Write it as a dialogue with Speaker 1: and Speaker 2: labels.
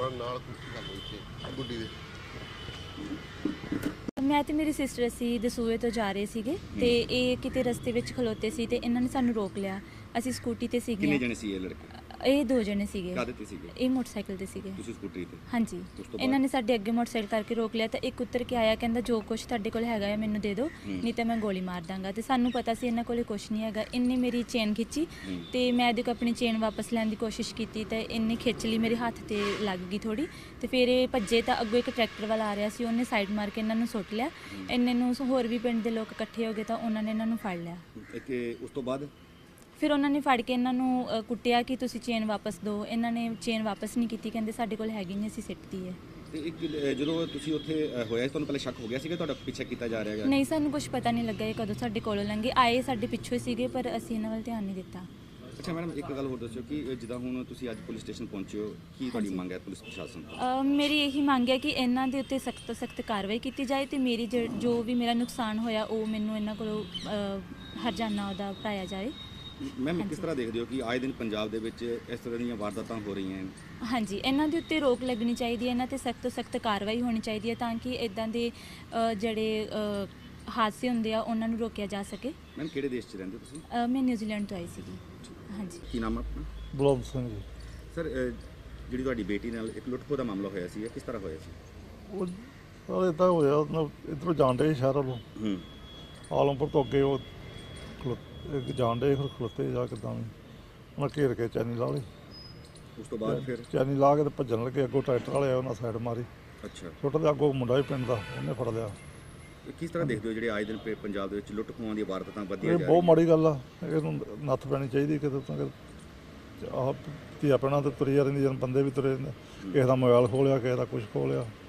Speaker 1: ਕੋਲ ਨਾਲ ਗੱਲ ਹੋਈ ਸੀ ਗੁੱਡੀ ਦੇ।
Speaker 2: ਮੈਂ ਤੇ ਮੇਰੀ ਸਿਸਟਰ ਅਸੀਂ ਦਸੂਹੇ ਤੋਂ ਜਾ ਰਹੇ ਸੀਗੇ ਤੇ ਇਹ ਕਿਤੇ ਰਸਤੇ ਵਿੱਚ ਖਲੋਤੇ ਸੀ ਤੇ ਇਹਨਾਂ ਨੇ ਸਾਨੂੰ ਰੋਕ ਲਿਆ। ਅਸੀਂ ਸਕੂਟੀ ਤੇ ਸੀਗੇ।
Speaker 3: ਕਿੰਨੇ ਜਣੇ ਸੀ ਇਹ ਲੜਕੇ?
Speaker 2: ਇਹ 2 ਜਣੇ ਸੀਗੇ।
Speaker 3: ਕਾਹਦੇ ਤੇ ਸੀਗੇ?
Speaker 2: ਇਹ ਮੋਟਰਸਾਈਕਲ ਤੇ ਸੀਗੇ।
Speaker 3: ਤੁਸੀਂ ਸਕੂਟਰੀ ਤੇ?
Speaker 2: ਹਾਂਜੀ। ਇਹਨਾਂ ਨੇ ਸਾਡੇ ਅੱਗੇ ਮੋਟਰਸਾਈਕਲ ਕਰਕੇ ਰੋਕ ਲਿਆ ਤਾਂ ਇੱਕ ਉੱਤਰ ਕੇ ਆਇਆ, ਕਹਿੰਦਾ ਜੋ ਕੁਛ ਤੁਹਾਡੇ ਕੋਲ ਹੈਗਾ ਹੈ ਮੈਨੂੰ ਦੇ ਦਿਓ, ਨਹੀਂ ਤਾਂ ਮੈਂ ਗੋਲੀ ਮਾਰ ਦਾਂਗਾ। ਤੇ ਸਾਨੂੰ ਪਤਾ ਸੀ ਇਹਨਾਂ ਕੋਲੇ ਕੁਛ ਨਹੀਂ ਹੈਗਾ। ਇਹਨੇ ਮੇਰੀ ਚੇਨ ਖਿੱਚੀ ਤੇ ਮੈਂ ਇਹਦੇ ਕੋਲ ਆਪਣੀ ਚੇਨ ਵਾਪਸ ਲੈਣ ਦੀ ਕੋਸ਼ਿਸ਼ ਕੀਤੀ ਤਾਂ ਇਹਨੇ ਖਿੱਚ ਲਈ, ਮੇਰੇ ਹੱਥ ਤੇ ਲੱਗ ਗਈ ਥੋੜੀ ਤੇ ਫਿਰ ਇਹ ਭੱਜੇ ਤਾਂ ਅੱਗੋਂ ਇੱਕ ਟਰੈਕਟਰ ਵਾਲਾ ਆ ਰਿਹਾ ਸੀ, ਉਹਨੇ ਸਾਈਡ ਮਾਰ ਕੇ ਇਹਨਾਂ ਨੂੰ ਸੁੱਟ ਲਿਆ। ਇੰਨੇ ਨੂੰ ਹੋਰ ਵੀ ਪਿੰਡ ਦੇ ਲੋਕ ਇਕੱਠੇ ਹੋ ਗਏ ਤਾਂ ਉਹਨਾਂ ਨੇ ਇਹਨਾਂ ਨੂੰ ਫੜ ਲਿਆ।
Speaker 3: ਉਸ ਤੋਂ ਬਾਅਦ
Speaker 2: ਫਿਰ ਉਹਨਾਂ ਨੇ ਫੜ ਕੇ ਇਹਨਾਂ ਨੂੰ ਕੁੱਟਿਆ ਕਿ ਤੁਸੀਂ ਚੇਨ ਵਾਪਸ ਦਿਓ। ਇਹਨਾਂ ਨੇ ਚੇਨ ਵਾਪਸ ਨਹੀਂ ਕੀਤੀ, ਕਹਿੰਦੇ ਸਾਡੇ ਕੋਲ ਹੈਗੀ ਨਹੀਂ, ਅਸੀਂ ਸਿੱਟਦੀ ਹੈ।
Speaker 3: ਤੇ ਇੱਕ ਜਦੋਂ ਤੁਸੀਂ ਉੱਥੇ ਹੋਇਆ ਤੁਹਾਨੂੰ ਪਹਿਲੇ ਸ਼ੱਕ ਹੋ ਗਿਆ ਸੀਗਾ ਤੁਹਾਡਾ ਪਿੱਛਾ ਕੀਤਾ ਜਾ ਰਿਹਾ ਹੈਗਾ?
Speaker 2: ਨਹੀਂ, ਸਾਨੂੰ ਕੁਝ ਪਤਾ ਨਹੀਂ ਲੱਗਾ ਇਹ ਕਦੋਂ ਸਾਡੇ ਕੋਲੋਂ ਲੰਘੇ। ਆਏ ਸਾਡੇ ਪਿੱਛੋਂ ਸੀਗੇ ਪਰ ਅਸੀਂ ਇਹਨਾਂ ਵੱਲ ਧਿਆਨ ਨਹੀਂ ਦਿੱਤਾ।
Speaker 3: ਅੱਛਾ ਮੈਡਮ, ਇੱਕ ਗੱਲ ਹੋਰ ਦੱਸਿਓ ਕਿ ਜਿੱਦਾਂ ਹੁਣ ਤੁਸੀਂ ਅੱਜ ਪੁਲਿਸ ਸਟੇਸ਼ਨ ਪਹੁੰਚੇ ਹੋ, ਕੀ ਤੁਹਾਡੀ ਮੰਗ ਹੈ ਪੁਲਿਸ ਪ੍ਰਸ਼ਾਸਨ ਤੋਂ?
Speaker 2: ਮੇਰੀ ਇਹੀ ਮੰਗ ਹੈ ਕਿ ਇਹਨਾਂ ਦੇ ਉੱਤੇ ਸਖਤ ਤੋਂ ਸਖਤ ਕਾਰਵਾਈ ਕੀਤੀ ਜਾਏ ਤੇ ਮੇਰੀ ਜੋ ਵੀ ਮੇਰਾ ਨੁਕਸਾਨ ਹੋਇਆ ਉਹ ਮੈਨੂੰ ਇਹਨਾਂ ਕੋਲੋਂ ਹਰਜਾਨਾ ਉਹਦਾ ਭਰਾਇਆ ਜਾਏ।
Speaker 3: ਮੈਮ ਕਿਸ ਤਰ੍ਹਾਂ ਦੇਖਦੇ ਹੋ ਕਿ ਆਏ ਦਿਨ ਪੰਜਾਬ ਦੇ ਵਿੱਚ ਇਸ ਤਰ੍ਹਾਂ ਦੀਆਂ ਵਾਰਦਾਤਾਂ ਹੋ ਰਹੀਆਂ ਹਨ?
Speaker 2: ਹਾਂਜੀ, ਇਹਨਾਂ ਦੇ ਉੱਤੇ ਰੋਕ ਲੱਗਣੀ ਚਾਹੀਦੀ ਹੈ, ਇਹਨਾਂ ਤੇ ਸਖਤ ਤੋਂ ਸਖਤ ਕਾਰਵਾਈ ਹੋਣੀ ਚਾਹੀਦੀ ਹੈ ਤਾਂ ਕਿ ਇਦਾਂ ਦੇ ਜਿਹੜੇ ਹਾਦਸੇ ਹੁੰਦੇ ਆ ਉਹਨਾਂ ਨੂੰ ਰੋਕਿਆ ਜਾ ਸਕੇ।
Speaker 3: ਮੈਮ ਕਿਹੜੇ ਦੇਸ਼ 'ਚ ਰਹਿੰਦੇ ਤੁਸੀਂ?
Speaker 2: ਮੈਂ ਨਿਊਜ਼ੀਲੈਂਡ ਤੋਂ ਆਈ ਸੀਗੀ। ਹਾਂਜੀ।
Speaker 3: ਕੀ ਨਾਮ ਹੈ ਆਪਣਾ?
Speaker 4: ਬਲੌਮ ਸਿੰਘ ਜੀ।
Speaker 3: ਸਰ, ਜਿਹੜੀ ਤੁਹਾਡੀ ਬੇਟੀ ਨਾਲ ਇੱਕ ਲੁੱਟ ਖੋਹ ਦਾ ਮਾਮਲਾ ਹੋਇਆ ਸੀ, ਕਿਸ ਤਰ੍ਹਾਂ ਹੋਇਆ ਸੀ?
Speaker 4: ਉਹ ਇੱਦਾਂ ਹੋਇਆ, ਇੱਧਰੋਂ ਜਾਣ ਡੇ ਸ਼ਹਿਰ ਵੱਲੋਂ ਆਲਮਪੁਰ ਤੋਂ ਅੱਗੇ ਉਹ ਜਾਣ ਡੇ, ਫਿਰ ਖਲੋਤੇ ਜਾ ਕਿੱਦਾਂ ਵੀ ਉਹਨਾਂ ਘੇਰ ਕੇ ਚੈਨੀ ਲਾ ਲਈ।
Speaker 3: ਉਸ ਤੋਂ ਬਾਅਦ ਫਿਰ
Speaker 4: ਚੈਨੀ ਲਾ ਕੇ ਤੇ ਭੱਜਣ ਲੱਗੇ, ਅੱਗੋਂ ਟਰੈਕਟਰ ਵਾਲੇ ਉਹਨਾਂ ਸਾਈਡ ਮਾਰੀ।
Speaker 3: ਅੱਛਾ।
Speaker 4: ਛੋਟਾ ਜਿਹਾ ਅੱਗੋਂ ਮੁੰਡਾ ਵੀ ਪਿੰਡ ਦਾ, ਉਹਨੇ ਫੜ ਲਿਆ।
Speaker 3: ਕਿਸ ਤਰ੍ਹਾਂ ਦੇਖਦੇ ਹੋ ਜਿਹੜੇ ਆਏ ਦਿਨ ਪੰਜਾਬ ਦੇ ਵਿੱਚ ਲੁੱਟ ਖੋਹਾਂ ਦੀਆਂ ਵਾਰਦਾਤਾਂ ਵਧੀਆਂ
Speaker 4: ਇਹ
Speaker 3: ਜਾ
Speaker 4: ਬਹੁਤ ਮਾੜੀ ਗੱਲ ਆ, ਇਹਨੂੰ ਨੱਥ ਪੈਣੀ ਚਾਹੀਦੀ ਕਿਤੇ ਤਾਂ। ਆਹ ਧੀਆ ਪੈਣਾ ਤੇ ਤੁਰੀ ਜਾ ਰਹਿੰਦੀ, ਜਨ ਬੰਦੇ ਵੀ ਤੁਰੇ ਜਾਂਦੇ, ਕਿਸੇ ਦਾ ਮੋਬਾਈਲ ਖੋਹ ਲਿਆ, ਕਿਸੇ ਦਾ ਕੁਛ ਖੋਹ ਲਿਆ।